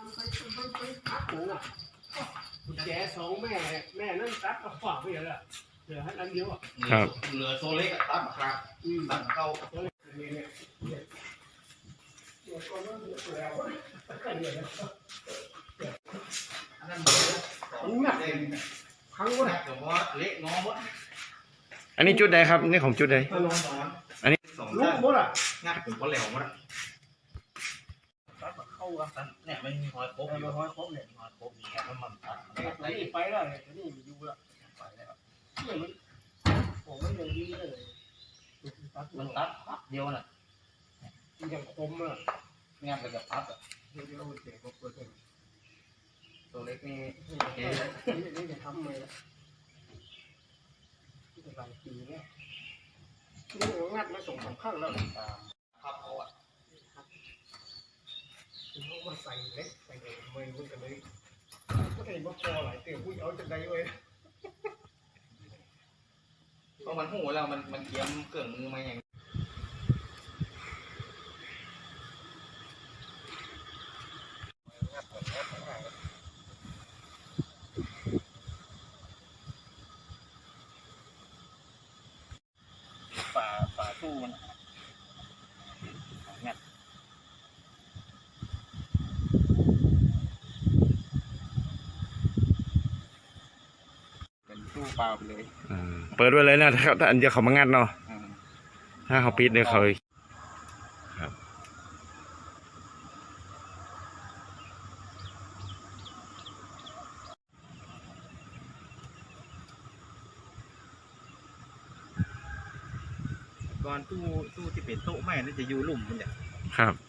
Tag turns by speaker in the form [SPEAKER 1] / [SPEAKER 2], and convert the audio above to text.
[SPEAKER 1] ตัดหนูอ่ะกุญแจสองแม่นั่นตัดเอาฝากไปอย่างละเหลือให้อันเดียวอ่ะ
[SPEAKER 2] ครับเหลือโซเล็กตัดครับตัดเข้าอันนั้น
[SPEAKER 1] ครั้งว่า
[SPEAKER 2] แต่ว่าเละงอหมด
[SPEAKER 3] อันนี้จุดใดครับนี่ของจุดใดอันนี้
[SPEAKER 2] สอง
[SPEAKER 1] ลูกหมดอ่ะ
[SPEAKER 2] งัดผมก็เหลวหมดตัดเข้าตัดเนี่ยไม่มีหอยครบอยู่หอยครบเนี่ยหอยครบมีแค่น้ำมันตัด
[SPEAKER 1] นี่ไปแล้วเนี่ยนี่มีอยู่ละ
[SPEAKER 2] ไปแล้ว
[SPEAKER 1] เนี่ยมันผมมันอย่างนี้เลย
[SPEAKER 2] มันตัดพับเดียวน่ะ
[SPEAKER 1] มันอย่างคมอ่ะ
[SPEAKER 2] งัดไปกับพับอ่ะ
[SPEAKER 1] เดี๋ยวเจ็บก็เปิดเลย
[SPEAKER 2] ตัวเล็กนี่
[SPEAKER 1] นี่จะทำไงล่ะที่จะหลายปีเนี่ยนี่งัดมาส่งสองข้างแล้ว
[SPEAKER 2] พับเอาอ่ะ
[SPEAKER 1] เขามาใส่เล็กใส่เลยไม่รู้กันเลยก็ได้มาพอหลายเตี๋ยวผู้เอาจะได้เว้ย
[SPEAKER 2] เพราะมันหูแล้วมันเยี่ยมเกลื่อนมือมาอย่างฝาตู้มันงัดเป็นตู้เปล่าไปเลย
[SPEAKER 3] เปิดไว้เลยนะถ้าอันเดียวเขามางัดเนาะถ้าเขาปิดเนี่ยเขาครับ
[SPEAKER 2] ก่อนตู้ที่เป็นโต๊ะไม้นั่นจะอยู่หลุมมันเนี่ย
[SPEAKER 3] ครับ